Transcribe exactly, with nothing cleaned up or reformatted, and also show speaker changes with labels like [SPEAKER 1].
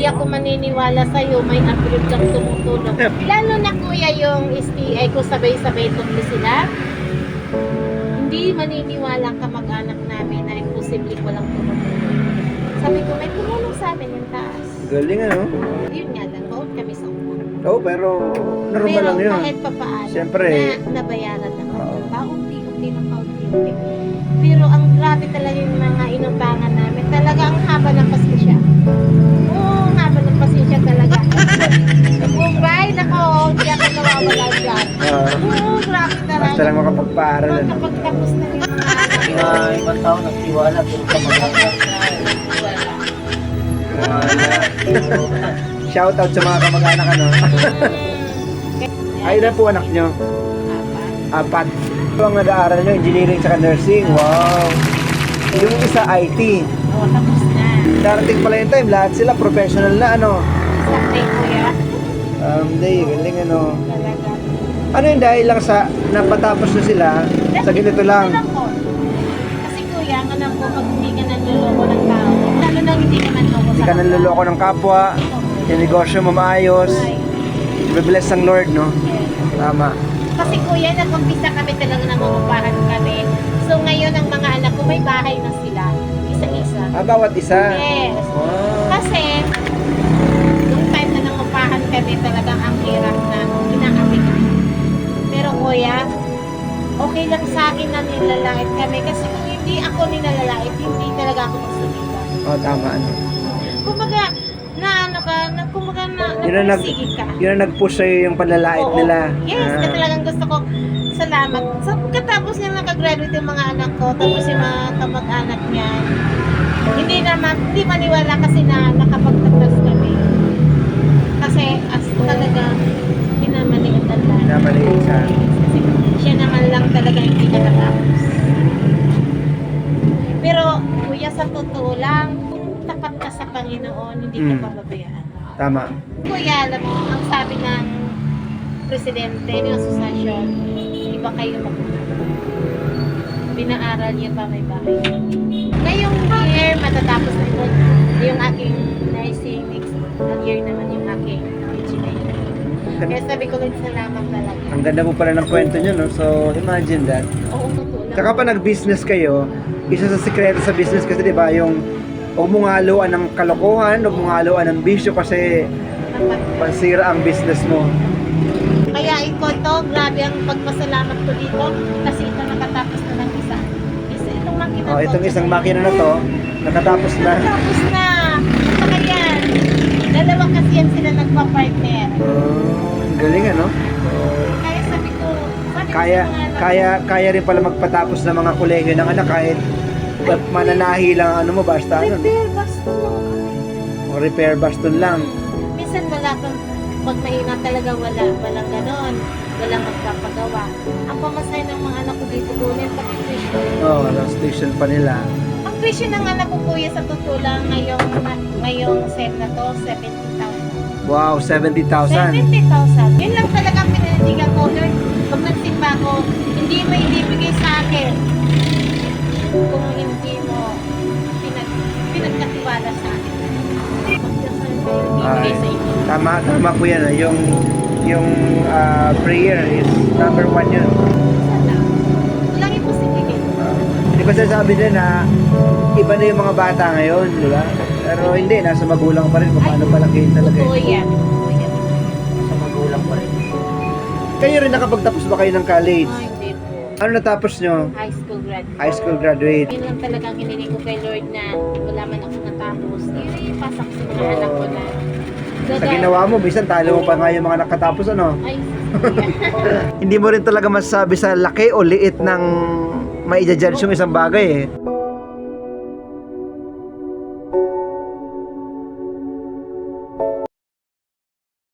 [SPEAKER 1] hindi ako maniniwala sa'yo, may abroad kang tumutulong. Lalo na kuya yung S T I ko sabay-sabay tuloy sila. Hindi maniniwala ka mag-anak namin na imposible walang tumutulong. Sabi ko, may tumulong sa amin yung taas.
[SPEAKER 2] Galing ano?
[SPEAKER 1] Yun nga lang, baon kami sa una.
[SPEAKER 2] Oo, oh, pero normal
[SPEAKER 1] Pero
[SPEAKER 2] lang yun.
[SPEAKER 1] kahit papaano,
[SPEAKER 2] Siyempre.
[SPEAKER 1] na, nabayaran naman.
[SPEAKER 2] Oo.
[SPEAKER 1] Paunti-unti ng paunti-unti. Pero ang grabe talaga yung mga inumbangan namin. Talaga ang haba ng pasensya. Oo, ang haba ng pasensya talaga. Yung ride ako, hindi ako nawawala dyan.
[SPEAKER 2] Ah,
[SPEAKER 1] Oo, grabe talaga.
[SPEAKER 2] basta lang makapagpaaral. Ano?
[SPEAKER 1] Kapag tapos na yung mga anak.
[SPEAKER 3] Mga ibang tao nagtiwala pero sa mga
[SPEAKER 1] Wala.
[SPEAKER 2] Shout out sa mga kamag-anak ano. Ay na po anak nyo. Apat. Ito ang nag-aaral nyo, engineering sa nursing. Wow. Yung isa I T.
[SPEAKER 1] Oo, tapos na.
[SPEAKER 2] Darating pala yung time, lahat sila professional na ano.
[SPEAKER 1] Sakay kuya.
[SPEAKER 2] Um, day, galing ano.
[SPEAKER 1] Talaga.
[SPEAKER 2] Ano yung dahil lang sa napatapos na sila sa ganito lang?
[SPEAKER 1] Alam ko. Kasi kuya, ang alam ko, pag hindi ka nanluloko ng tao, lalo na hindi ka manloko
[SPEAKER 2] Hindi
[SPEAKER 1] sa
[SPEAKER 2] ka nanluloko ng kapwa, yung negosyo mo maayos,
[SPEAKER 1] Ay,
[SPEAKER 2] bibless ng Lord, no?
[SPEAKER 1] yes.
[SPEAKER 2] Tama.
[SPEAKER 1] Kasi kuya, nag-umpisa kami talaga nangungupahan kami. So ngayon, ang mga anak ko, may bahay na sila. Isa-isa.
[SPEAKER 2] Ah, bawat isa?
[SPEAKER 1] Yes.
[SPEAKER 2] Wow.
[SPEAKER 1] Kasi, yung time na nangungupahan kami, talagang ang hirap na inaapi kami. Pero kuya, okay lang sa akin na nilalait kami. Kasi kung hindi ako nilalait, hindi talaga ako magsalita.
[SPEAKER 2] Oh, tama. Ano?
[SPEAKER 1] Kumbaga, na ano ka, na, kumbaga na,
[SPEAKER 2] Yun ang nag-
[SPEAKER 1] napursige ka.
[SPEAKER 2] Yun ang nag-push sa'yo yung panlalait
[SPEAKER 1] Oo.
[SPEAKER 2] nila.
[SPEAKER 1] Yes,
[SPEAKER 2] Ah.
[SPEAKER 1] kaya talagang gusto ko, salamat. So, katapos niya nakagraduate yung mga anak ko, tapos yung mga kamag-anak niya, hindi naman, hindi maniwala kasi na nakapagtapos kami. Kasi as talagang pinamaliitan lang.
[SPEAKER 2] Pinamaliit siya.
[SPEAKER 1] Kasi siya naman lang talaga hindi nakatapos. Pero, kuya, sa totoo lang, kung tapat ka sa Panginoon, hindi ka
[SPEAKER 2] Mm.
[SPEAKER 1] pababayaan.
[SPEAKER 2] Tama.
[SPEAKER 1] Kuya, alam mo, ang sabi ng presidente ng asosasyon, iba kayo magpupunta. Pinaaral niya pa may bahay. Ngayong year, matatapos na ito yung aking nursing. Next year naman yung aking engineering. Kaya sabi ko lang, salamat talaga.
[SPEAKER 2] Ang ganda mo pala ng kwento nyo, no? So, imagine that.
[SPEAKER 1] Oo, totoo lang.
[SPEAKER 2] Tsaka pa nag-business kayo, isa sa sikreto sa business kasi, di ba, yung huwag mong haluan ng kalokohan, huwag mong haluan ng bisyo kasi pansira ang business mo.
[SPEAKER 1] Kaya ito to, grabe ang pagpasalamat ko dito kasi ito nakatapos na ng isa. Isa itong makina
[SPEAKER 2] Oh,
[SPEAKER 1] to.
[SPEAKER 2] itong isang makina na to, nakatapos na.
[SPEAKER 1] Tapos na. Saka yan. Dalawa kasi yan sila nagpa-partner.
[SPEAKER 2] Oh, ang galing ano?
[SPEAKER 1] Kaya sabi ko, sabi ko
[SPEAKER 2] Kaya,
[SPEAKER 1] sa mga anak
[SPEAKER 2] kaya, kaya rin pala magpatapos ng mga kolegyo ng anak kahit mananahi lang ano mo, basta ano, no?
[SPEAKER 1] repair basta lang kami.
[SPEAKER 2] O repair baston lang.
[SPEAKER 1] Minsan wala kang, pag mahina talaga wala, walang ganon. Walang magpapagawa. Ang pamasahe ng mga anak ko dito, kunin pati tuition.
[SPEAKER 2] Oh, ano, station pa nila.
[SPEAKER 1] Ang tuition ng anak ko kuya sa totoo lang ngayong, ngayong sem na to, seventy thousand.
[SPEAKER 2] Wow, seventy thousand.
[SPEAKER 1] seventy thousand. Yun lang talaga ang pinanitigan ko. Lord, pag nagsimba ko, hindi mo ibibigay sa akin kung hindi mo pinag, pinagkatiwala sa akin. Magdasal kayo, ibibigay sa inyo.
[SPEAKER 2] Tama, tama po yan. ah. Yung, yung ah, prayer is number one yun.
[SPEAKER 1] Sana. Walang imposible.
[SPEAKER 2] Di ba sasabi din na iba na yung mga bata ngayon, di ba? Pero hindi, nasa magulang pa rin kung paano palakihin talaga.
[SPEAKER 1] Totoo
[SPEAKER 2] eh.
[SPEAKER 1] yan. Totoo yan.
[SPEAKER 3] sa magulang pa rin.
[SPEAKER 2] Kayo rin nakapagtapos ba kayo ng college?
[SPEAKER 1] Ay, hindi po.
[SPEAKER 2] Ano natapos nyo?
[SPEAKER 1] High school graduate.
[SPEAKER 2] High school graduate.
[SPEAKER 1] Yun lang talagang hiniling ko kay Lord na wala man ako natapos. Yun yung pasak sa mga anak ko na.
[SPEAKER 2] Sa ginawa mo, bisan talo mo pa nga yung mga nakatapos, ano?
[SPEAKER 1] Ay,
[SPEAKER 2] Hindi mo rin talaga masasabi sa laki o liit ng maija-judge yung isang bagay eh.